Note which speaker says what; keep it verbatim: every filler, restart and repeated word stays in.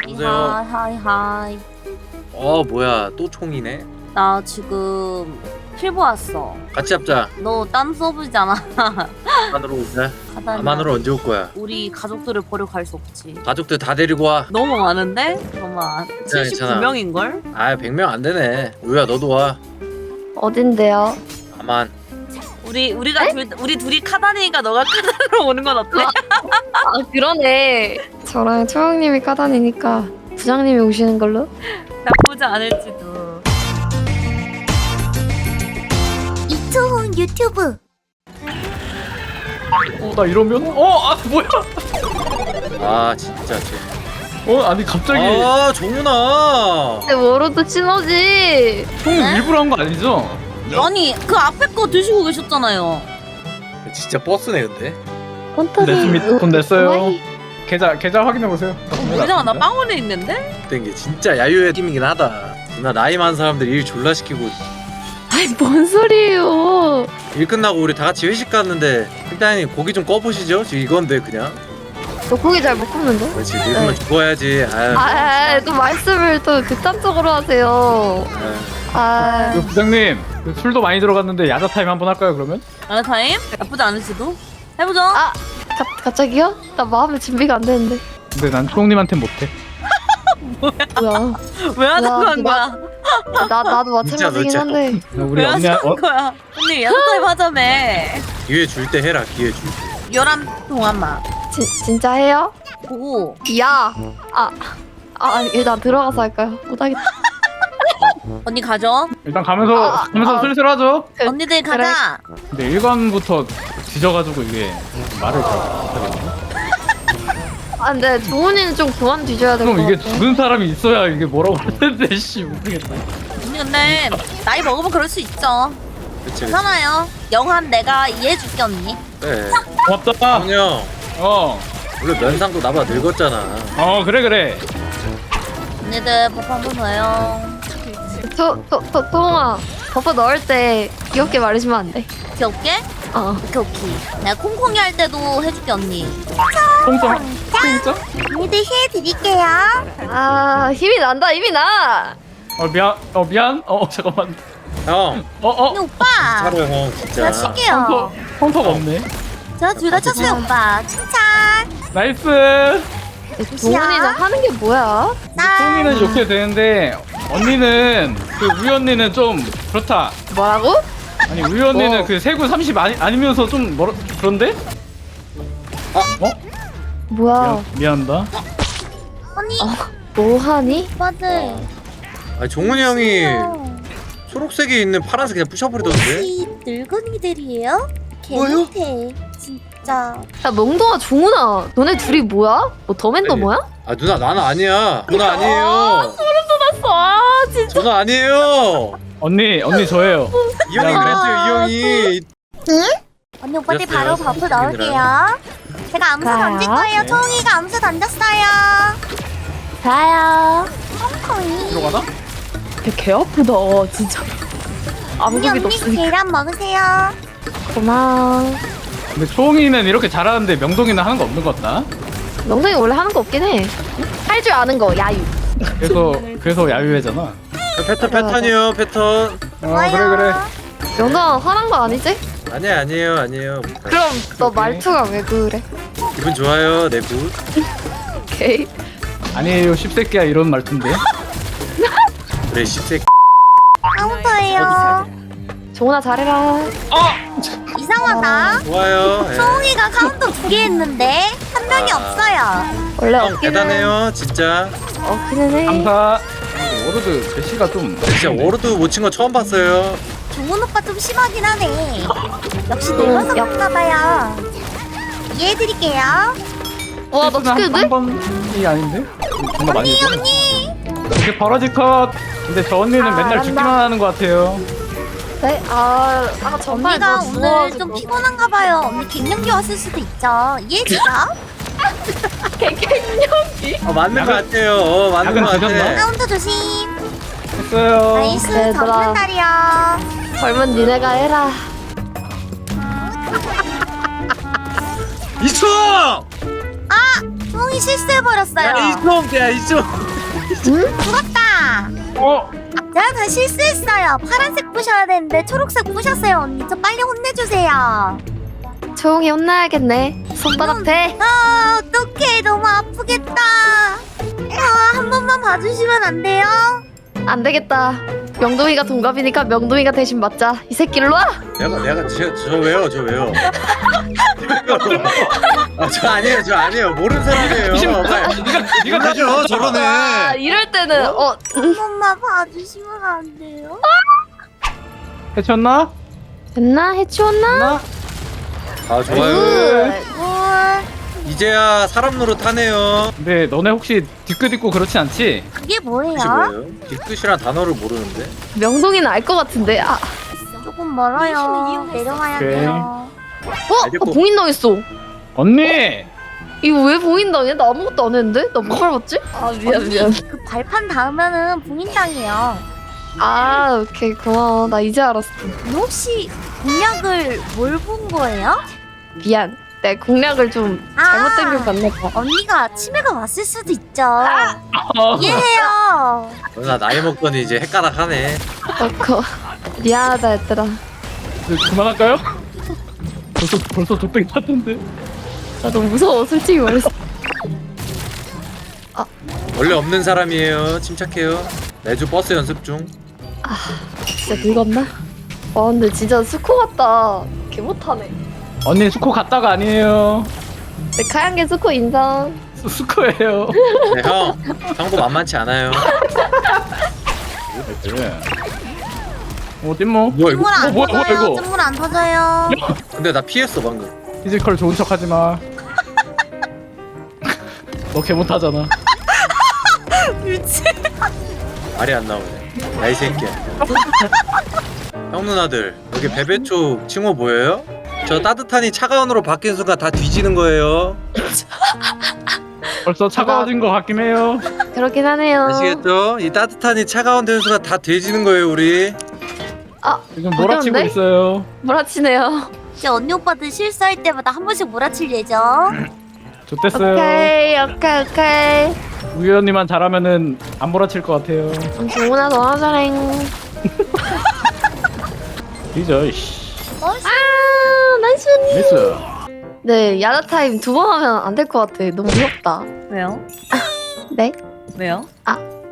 Speaker 1: 여보세요?
Speaker 2: 하이 하이 하이.
Speaker 1: 어 뭐야 또 총이네?
Speaker 2: 나 지금 필보 왔어.
Speaker 1: 같이 잡자.
Speaker 2: 너 딴 서브잖아.
Speaker 1: 아만으로 오자.
Speaker 2: 가다니.
Speaker 1: 아만으로 언제 올 거야?
Speaker 2: 우리 가족들을 버리고 갈 수 없지.
Speaker 1: 가족들 다 데리고 와.
Speaker 2: 너무 많은데? 잠깐만.
Speaker 1: 괜찮아,
Speaker 2: 칠십구 명인걸?
Speaker 1: 아 백 명 안 되네. 우야 너도 와.
Speaker 3: 어딘데요?
Speaker 1: 아만.
Speaker 2: 우리 우리가 둘, 우리 둘이 카다니니까 너가 카다니로 오는 건 어때?
Speaker 3: 아 그러네. 저랑 초영님이 까다니니까 부장님이 오시는 걸로?
Speaker 2: 나쁘지 않을지도.
Speaker 4: 이초훈 유튜브.
Speaker 5: 어, 나 이러면? 어, 아, 뭐야?
Speaker 1: 아 진짜 쟤.
Speaker 5: 어, 아니, 갑자기
Speaker 1: 아 정훈아.
Speaker 3: 근데 워로드 신호지.
Speaker 5: 총 일부러 한 거 아니죠?
Speaker 2: 아니 그 앞에 거 드시고 계셨잖아요.
Speaker 1: 진짜 버스네 근데.
Speaker 5: 냈습니다. 돈 냈어요. 계좌, 계좌 확인해보세요.
Speaker 2: 우리랑 나 빵원에 있는데?
Speaker 1: 된 게 진짜 야유의 팀이긴 하다. 나 나이 많은 사람들 일 졸라 시키고
Speaker 3: 아이 뭔 소리예요?
Speaker 1: 일 끝나고 우리 다 같이 회식 갔는데 일단 고기 좀 꺼보시죠. 지금 이건데 그냥.
Speaker 3: 너 고기 잘 못 굽는데?
Speaker 1: 그렇지 늙으면 죽어야지. 아유.
Speaker 3: 아, 또 말씀을 또 극단적으로 하세요.
Speaker 1: 아유.
Speaker 3: 아,
Speaker 5: 그 부장님, 그 술도 많이 들어갔는데 야자 타임 한번 할까요, 그러면?
Speaker 2: 아 타임? 나쁘지 않을지도. 해보죠.
Speaker 3: 아, 가, 갑자기요? 나 마음의 준비가 안 되는데.
Speaker 5: 근데 난 초롱님한테 못해.
Speaker 3: 뭐야?
Speaker 2: 왜 하자고
Speaker 3: 야,
Speaker 2: 한 거야?
Speaker 3: 아, 나 나도
Speaker 1: 진짜
Speaker 3: 마찬가지긴
Speaker 1: 진짜.
Speaker 3: 한데.
Speaker 5: 우리
Speaker 2: 왜
Speaker 5: 언니,
Speaker 2: 하자고
Speaker 5: 어,
Speaker 2: 한 거야? 언니 야자 타임 하자며.
Speaker 1: 기회 줄 때 해라 기회 줄 때.
Speaker 2: 열한 동안만.
Speaker 3: 진 진짜 해요?
Speaker 2: 보고.
Speaker 3: 야, 아, 아 일단 들어가서 할까요? 못하겠다.
Speaker 2: 언니 가죠.
Speaker 5: 일단 가면서,
Speaker 3: 아,
Speaker 5: 가면서
Speaker 3: 아.
Speaker 5: 슬슬 하죠.
Speaker 3: 그,
Speaker 2: 언니들 가자.
Speaker 5: 근데 일관부터 뒤져가지고 이게 말을 잘 못하겠네.
Speaker 3: 아, 근데 종훈이는 좀 그만 뒤져야 될 것
Speaker 5: 그럼
Speaker 3: 같아.
Speaker 5: 이게 죽은 사람이 있어야 이게 뭐라고 하는데, 씨, 모르겠다.
Speaker 2: 언니 근데 나이 먹으면 그럴 수 있죠.
Speaker 1: 그치 그치.
Speaker 2: 괜찮아요. 영한 내가 이해해줄게 언니.
Speaker 1: 그래.
Speaker 5: 고맙다.
Speaker 1: 형형
Speaker 5: 어,
Speaker 1: 원래 면상도 나보다 늙었잖아.
Speaker 5: 어, 그래, 그래.
Speaker 2: 언니들 밥 한 번 더요.
Speaker 3: 저, 저, 저, 동아, 버퍼 넣을 때 귀엽게 말해주면 안 돼?
Speaker 2: 귀엽게?
Speaker 3: 어.
Speaker 2: 오케이 오케이. 내가 콩콩이 할 때도 해줄게 언니.
Speaker 5: 통짜? 통짜?
Speaker 4: 언니들 해드릴게요.
Speaker 3: 아, 힘이 난다, 힘이 나!
Speaker 5: 어, 미안, 어, 미안. 어, 잠깐만.
Speaker 1: 형
Speaker 5: 어, 어,
Speaker 4: 언니 오빠.
Speaker 1: 차려 형
Speaker 4: 제가
Speaker 1: 진짜.
Speaker 4: 칠게요.
Speaker 5: 펑터, 펑터가 없네.
Speaker 4: 제가 둘 다 쳤어요 오빠. 칭찬.
Speaker 5: 나이스.
Speaker 3: 종훈이는 하는 게 뭐야?
Speaker 4: 나.
Speaker 5: 똥이는 욕해도 되는데 언니는 그 우유 언니는 좀 그렇다.
Speaker 3: 뭐라고?
Speaker 5: 아니 우유 언니는
Speaker 3: 어.
Speaker 5: 그 세구 삼십 아니, 아니면서 좀 멀어 그런데? 어?
Speaker 3: 뭐야?
Speaker 5: 미안, 미안하다.
Speaker 4: 언니.
Speaker 3: 뭐하니?
Speaker 4: 오빠들.
Speaker 1: 아 종훈이 형이 초록색에 있는 파란색 그냥 부셔버리던데.
Speaker 4: 혹시 늙은이들이에요?
Speaker 1: 뭐요?
Speaker 4: 개못해. 진짜.
Speaker 3: 야, 멍동아, 종훈아, 너네 둘이 뭐야? 뭐 더맨더
Speaker 1: 아니,
Speaker 3: 뭐야?
Speaker 1: 아 누나 나는 아니야. 누나
Speaker 3: 아,
Speaker 1: 아니에요.
Speaker 3: 쏟았어, 아, 진짜.
Speaker 1: 저는 아니에요.
Speaker 5: 언니 언니 저예요.
Speaker 1: 이 형이
Speaker 5: 야,
Speaker 1: 그랬어요 이 형이.
Speaker 4: 언니 오빠들
Speaker 1: 그랬어요.
Speaker 4: 바로 버프 넣을게요. 제가 암수
Speaker 3: 가요.
Speaker 4: 던질 거예요. 초홍이가 암수 던졌어요.
Speaker 3: 자요.
Speaker 4: 콩콩이.
Speaker 5: 들어가나?
Speaker 3: 개 아프다, 진짜.
Speaker 4: 언니
Speaker 3: 아무기도
Speaker 4: 언니
Speaker 3: 없으니까.
Speaker 4: 계란 먹으세요.
Speaker 3: 고마워.
Speaker 5: 근데 초홍이는 이렇게 잘하는데 명동이는 하는 거 없는 것 같다.
Speaker 3: 명성이 원래 하는 거 없긴 해. 할 줄 아는 거, 야유.
Speaker 5: 그래서 그래서 야유회잖아.
Speaker 1: 패턴 패턴이요 패턴.
Speaker 5: 어 그래 그래.
Speaker 3: 명성아, 화난 거 아니지?
Speaker 1: 아니야 아니에요 아니에요.
Speaker 3: 그럼 너 말투가 왜 그래?
Speaker 1: 기분 좋아요 내 굿.
Speaker 3: 오케이.
Speaker 5: 아니에요 십새끼야 이런 말투인데.
Speaker 1: 그래 십색.
Speaker 4: 카운터예요.
Speaker 3: 종훈아, 잘해라.
Speaker 5: 어!
Speaker 4: 이상하다.
Speaker 1: 좋아요. 예.
Speaker 4: 초홍이가 카운터 두 개 했는데 한 명이
Speaker 1: 아.
Speaker 4: 없어요.
Speaker 3: 원래
Speaker 1: 형
Speaker 3: 없기는
Speaker 1: 대단해요 진짜.
Speaker 3: 없기는 해.
Speaker 5: 감사. 워로드 제시가 좀.
Speaker 1: 진짜 워로드 못 친 거 처음 봤어요.
Speaker 4: 종훈 오빠 좀 심하긴 하네. 역시
Speaker 3: 음,
Speaker 4: 늙어서
Speaker 3: 야.
Speaker 4: 그런가 봐요. 이해해드릴게요.
Speaker 3: 와, 나 죽겠는데?
Speaker 5: 한 번이 아닌데? 정말 많이
Speaker 4: 언니
Speaker 5: 했어.
Speaker 4: 언니.
Speaker 5: 이렇게 버러지 컷. 근데 저 언니는
Speaker 3: 아,
Speaker 5: 맨날
Speaker 3: 알았나?
Speaker 5: 죽기만 하는 것 같아요.
Speaker 3: 네? 아, 아 정말
Speaker 4: 언니가
Speaker 3: 너
Speaker 4: 오늘
Speaker 3: 죽어가지고.
Speaker 4: 좀 피곤한가 봐요. 언니 갱년기 왔을 수도 있죠. 이해해주죠?
Speaker 3: 갱년기?
Speaker 1: 어 맞는 거
Speaker 5: 약은-
Speaker 1: 같아요. 어, 맞는
Speaker 5: 약은
Speaker 1: 거 같아.
Speaker 5: 드셨나?
Speaker 4: 카운터 조심.
Speaker 5: 했어요.
Speaker 4: 나이스
Speaker 3: 얘들아.
Speaker 4: 정신 날이요.
Speaker 3: 젊은 니네가 해라.
Speaker 1: 이총.
Speaker 4: 뽕이 실수해버렸어요.
Speaker 1: 야 이종 야 이종.
Speaker 4: 죽었다.
Speaker 5: 어?
Speaker 4: 제가 다 실수했어요. 파란색 부셔야 되는데 초록색 부셨어요 언니. 저 빨리 혼내주세요.
Speaker 3: 조용히 혼나야겠네. 손바닥 대.
Speaker 4: 아 어떡해 너무 아프겠다. 아, 한 번만 봐주시면 안 돼요?
Speaker 3: 안 되겠다. 명동이가 동갑이니까 명동이가 대신 맞자. 이 새끼 일로 와.
Speaker 1: 내가 내가 저, 저 왜요 저 왜요? 아저 아니에요 저 아니에요 모르는 사람이에요.
Speaker 5: 네가 네가
Speaker 1: 가죠
Speaker 3: 아,
Speaker 1: 저러네.
Speaker 3: 이럴 때는 어,
Speaker 4: 한 번만 봐주시면 안 돼요?
Speaker 5: 해쳤나?
Speaker 3: 됐나? 해치웠나?
Speaker 5: 나?
Speaker 1: 아 좋아요.
Speaker 4: 아이고
Speaker 1: 이제야 사람 노릇하네요.
Speaker 5: 근데 너네 혹시 뒤끝 그렇지 않지?
Speaker 4: 그게 뭐예요?
Speaker 1: 뜻이 뭐예요? 뒤끝이란 단어를 모르는데.
Speaker 3: 명동이는 알 것 같은데. 아,
Speaker 4: 조금 멀어요. 내려와야
Speaker 5: 오케이.
Speaker 4: 돼요.
Speaker 3: 어?
Speaker 1: 알겠고.
Speaker 3: 아, 봉인당했어.
Speaker 5: 언니!
Speaker 3: 이거 왜 봉인당해? 나 아무것도 안 했는데? 나 뭐 밟았지? 아 미안 미안.
Speaker 4: 그 발판 닿으면은 봉인당해요.
Speaker 3: 아 오케이 고마워. 나 이제 알았어.
Speaker 4: 혹시 공략을 뭘 본 거예요?
Speaker 3: 미안. 내 공략을 좀
Speaker 4: 아.
Speaker 3: 잘못된 걸 봤나 봐.
Speaker 4: 언니가 치매가 왔을 수도 있죠.
Speaker 5: 어.
Speaker 4: 이해해요.
Speaker 1: 나 나이 먹더니 이제 헷가닥하네.
Speaker 3: 어커 미안하다 얘들아.
Speaker 5: 이제 그만할까요? 벌써 벌써 족된 것 같은데.
Speaker 3: 나 너무 무서워 솔직히 말해서.
Speaker 1: 원래 없는 사람이에요. 침착해요. 매주 버스 연습 중.
Speaker 3: 진짜 늙었나? 와 근데 진짜 수코 같다. 개 못하네.
Speaker 5: 언니 수코 갔다가 아니에요.
Speaker 3: 내 카양개 수코 인정.
Speaker 5: 수, 수코예요.
Speaker 1: 네, 형 형도 만만치 않아요.
Speaker 5: 그래. 어디 뭐?
Speaker 1: 뭐야 이거?
Speaker 4: 물 안
Speaker 5: 어, 뭐야, 뭐야,
Speaker 4: 터져요.
Speaker 5: 이거?
Speaker 4: 물 안 터져요.
Speaker 1: 근데 나 피했어 방금.
Speaker 5: 피지컬 좋은 척하지 마. 너 개 못하잖아.
Speaker 4: 미치.
Speaker 1: 말이 안 나오네. 야이 새끼야. 형 누나들 여기 베베초 칭호 보여요? 저 따뜻하니 차가운으로 바뀐 순간 다 뒤지는 거예요.
Speaker 5: 벌써 차가워진 것 같긴 해요.
Speaker 3: 그렇긴 하네요.
Speaker 1: 아시겠죠? 이 따뜻하니 차가운 되는 순간 다 뒤지는 거예요 우리.
Speaker 3: 아
Speaker 5: 지금 몰아치고
Speaker 3: 어려운데?
Speaker 5: 있어요.
Speaker 3: 몰아치네요.
Speaker 4: 이제 언니 오빠들 실수할 때마다 한 번씩 몰아칠 예정.
Speaker 5: 좋댔어요.
Speaker 3: 오케이 오케이 오케이.
Speaker 5: 우유 언니만 잘하면은 안 몰아칠 것 같아요.
Speaker 3: 정훈아 너나 잘해.
Speaker 5: 뒤져 이씨.
Speaker 3: 아 나이스.
Speaker 5: 미스.
Speaker 3: 네 야자 타임 두 번 하면 안 될 것 같아. 너무 무섭다.
Speaker 2: 왜요?
Speaker 3: 네?
Speaker 2: 왜요?
Speaker 3: 아